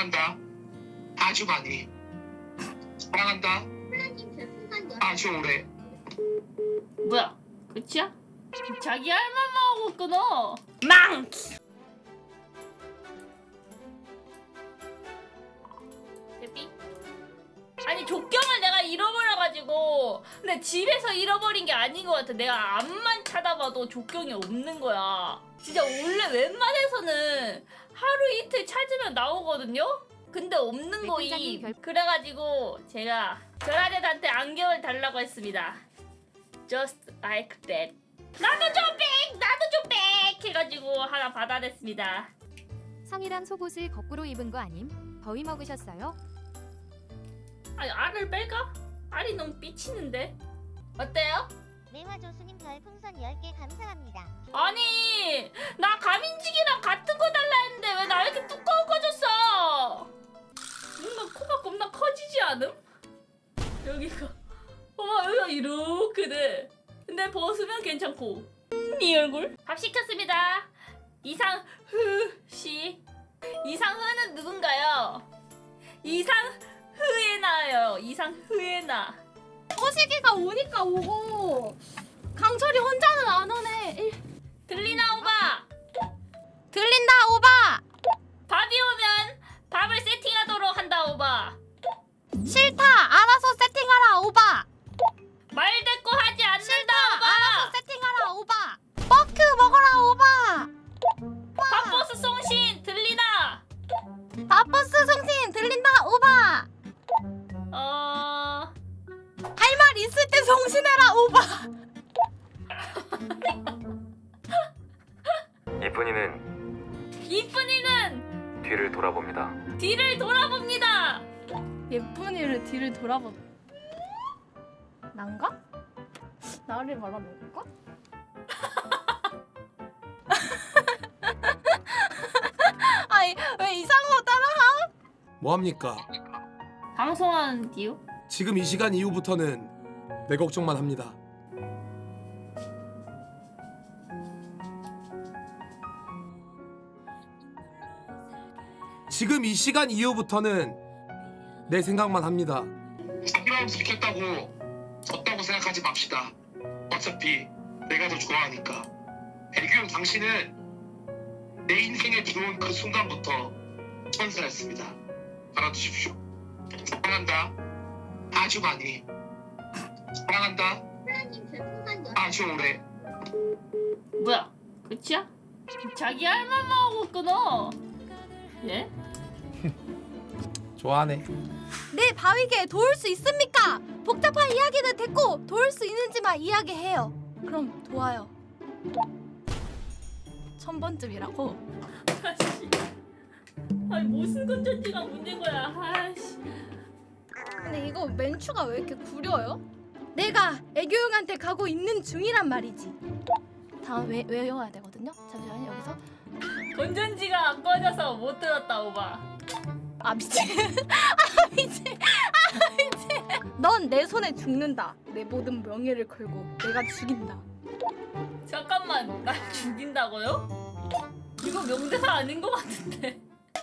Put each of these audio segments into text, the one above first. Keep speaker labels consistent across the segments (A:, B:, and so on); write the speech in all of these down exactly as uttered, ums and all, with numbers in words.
A: 사랑한다. 아주 많이. 사랑한다. 아주 오래.
B: 뭐야? 끝이야? 자기 할 말만 하고 끊어. 망! 대피? 아니 족경을 내가 잃어버려가지고 근데 집에서 잃어버린 게 아닌 것 같아. 내가 앞만 찾아봐도 족경이 없는 거야. 진짜 원래 웬만해서는 하루 이틀 찾으면 나오거든요? 근데 없는 거임.
C: 결...
B: 그래가지고 제가 전화대한테 안경을 달라고 했습니다. Just like that. 나도 좀 백! 나도 좀 백! 해가지고 하나 받아냈습니다.
C: 성이랑 속옷을 거꾸로 입은 거 아님? 더위 먹으셨어요?
B: 아니 알을 뺄까? 알이 너무 삐치는데? 어때요?
D: 매화 조수님 별풍선 열 개 감사합니다.
B: 아니 나 가민직이랑 같은 거 달라 했는데 왜 나 이렇게 두꺼워졌어? 뭔가 코가 겁나 커지지 않음? 여기가 어머 여기가 이렇게 돼. 근데 벗으면 괜찮고 이 얼굴? 밥 시켰습니다. 이상흐씨. 이상흐는 누군가요? 이상흐에나요. 이상흐에나.
E: 허식이가 오니까 오고 강철이 혼자는 안 오네.
B: 들리나 오바?
E: 들린다 오바.
B: 밥이 오면 밥을 세팅하도록 한다 오바.
E: 싫다. 알아서 세팅하라 오바.
B: 말 대꾸 하지 않는다
E: 싫다.
B: 오바.
E: 알아서 세팅하라 오바. 버크 먹어라 오바.
B: 밥버스 송신 들리나?
E: 밥버스 성신 들린다 오바.
B: 어...
E: 할 말 있을 때 성신해라 오바.
F: 이쁜이는
B: 이쁜이는
F: 뒤를 돌아봅니다.
B: 뒤를 돌아봅니다.
E: 예쁜이를 뒤를 돌아보. 난가? 나를 말하는 건가? 아니 왜 이상한 거 따라하?
G: 뭐합니까?
B: 방송하는 이유?
G: 지금 이 시간 이후부터는 내 걱정만 합니다. 지금 이 시간 이후부터는 내 생각만 합니다.
A: 사기라고 들켰다고 졌다고 생각하지 맙시다. 어차피 내가 더 좋아하니까. 애교형 당신은 내 인생에 들어온 그 순간부터 천사였습니다. 알아두십시오. 사랑한다. 아주 많이. 사랑한다. 아주 오래.
B: 뭐야? 끝이야? 자기 할 말만 하고 끊어. 예?
G: 좋아하네.
E: 내 바위게 도울 수 있습니까? 복잡한 이야기는 됐고 도울 수 있는지만 이야기해요. 그럼 도와요. 천 번쯤이라고?
B: 아씨. 아니 무슨 건전지가 문제인 거야. 아씨.
E: 근데 이거 멘추가 왜 이렇게 구려요? 내가 애교용한테 가고 있는 중이란 말이지. 다음 외, 외워야 되거든요. 잠시만요. 여기서
B: 건전지가 안 꺼져서 못 들었다 오바.
E: 아 미친. 아 미친. 아 미친. 넌 내 손에 죽는다. 내 모든 명예를 걸고 내가 죽인다.
B: 잠깐만 날 죽인다고요? 이거 명대사 아닌 것 같은데.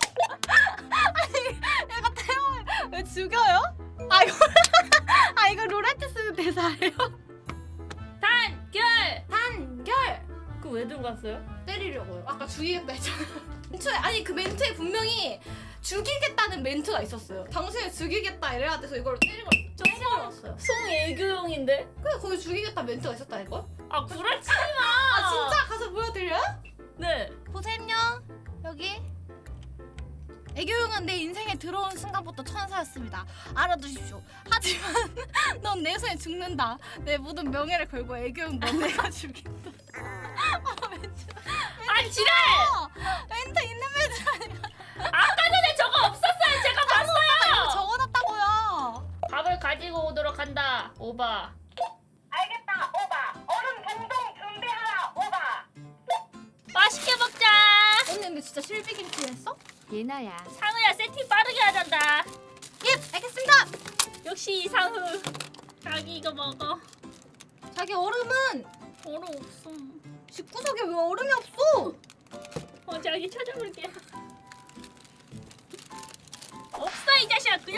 E: 내가 태영을 왜 죽여요? 아 이거 아 이거 롤한테 쓰는 대사예요?
B: 단결!
E: 단결!
B: 그거 왜 들고 갔어요?
E: 때리려고요. 아까 죽이겠다 했잖아요. 멘트에 아니 그 멘트에 분명히 죽이겠다는 멘트가 있었어요. 당신을 죽이겠다 이래야 돼서 이걸 때리고 때려놨어요.
B: 송애교용인데?
E: 근데 거기 죽이겠다 멘트가 있었다니까?
B: 아 구라치지 마!
E: 아 진짜 가서 보여드려요?
B: 네.
E: 보셈요 여기. 애교용은 내 인생에 들어온 순간부터 천사였습니다. 알아두십시오. 하지만 넌 내 손에 죽는다. 내 모든 명예를 걸고 애교용 넌 내가 죽인다. 아 멘트.
B: 아 지랄!
E: 멘트 있는 멘트 아니야.
B: 아까 전에 저거 없었어요. 제가 봤어요.
E: 적어놨다고요.
B: 밥을 가지고 오도록 한다. 오바.
D: 알겠다 오바. 얼음 동동 준비하라 오바.
B: 맛있게 먹자.
E: 언니 근데 진짜 실비김치 했어?
C: 예나야.
B: 상우야 세팅 빠르게 하잔다.
E: 예 알겠습니다.
B: 역시 이상우. 자기 이거 먹어.
E: 자기 얼음은
B: 얼음 없어.
E: 집구석에 왜 얼음이 없어?
B: 어 자기 찾아볼게.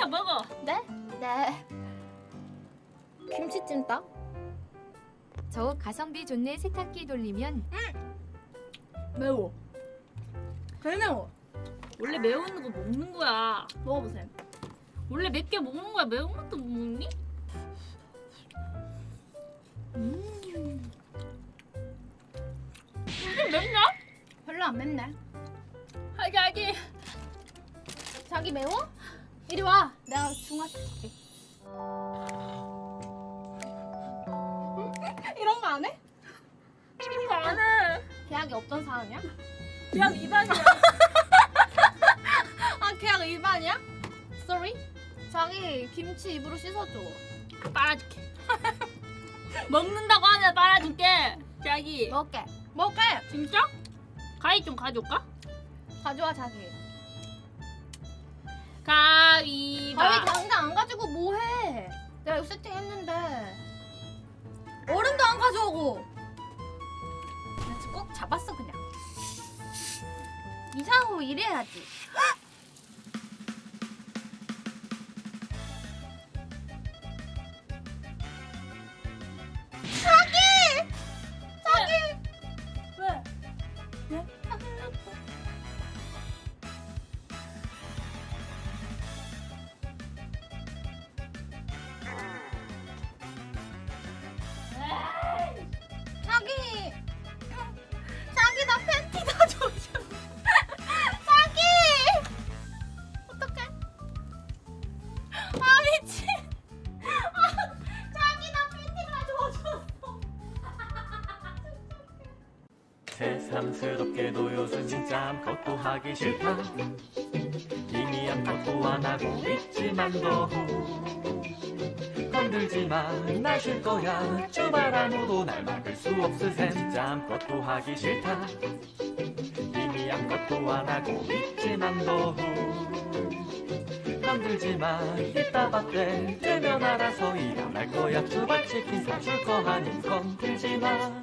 B: 시켜 먹어.
E: 네? 네. 김치찜닭?
C: 저 가성비 좋네. 세탁기 돌리면
E: 매워. 개 매워.
B: 원래 매운 거 먹는 거야.
E: 먹어보세요.
B: 원래 맵게 먹는 거야. 매운 것도 못 먹니?
E: 음.
B: 이게 맵냐?
E: 별로 안 맵네.
B: 하기 하기.
E: 자기 매워? 이리 와. 내가 중화시킬게. 이런 거 안 해?
B: 이거 안 해.
E: 계약이 없던 사안이야?
B: 그냥 입안이야.
E: 아 계약 위반이야? Sorry? 자기 김치 입으로 씻어줘.
B: 빨아줄게. 먹는다고 하면 빨아줄게. 자기.
E: 먹게. 먹게.
B: 진짜? 가위 좀 가져올까?
E: 가져와 자기.
B: 가위바.
E: 가위 당장 안 가지고 뭐해? 내가 이거 세팅했는데. 얼음도 안 가져오고. 나 지금 꼭 잡았어 그냥. 이상으로 이래야지. 자기! 자기!
B: 왜?
E: 왜? 자기! 자기 나 팬티 다 젖어. 자기! 어떡해? 아 미친. 아, 자기 나 팬티 다 젖었어.
H: 새삼스럽게도 요즘 진짜 아무것도 하기 싫다. 이미 아무것도 안 하고 있지만도 건들지마 날 쉴 거야. 주말 아무도 날 막을 수 없으셈. 진짜 아무것도 하기 싫다. 이미 아무것도 안 하고 있지만도 건들지마. 이따가 때 되면 알아서 일어날 거야. 주말 치킨 사줄 거 아님 건들지마.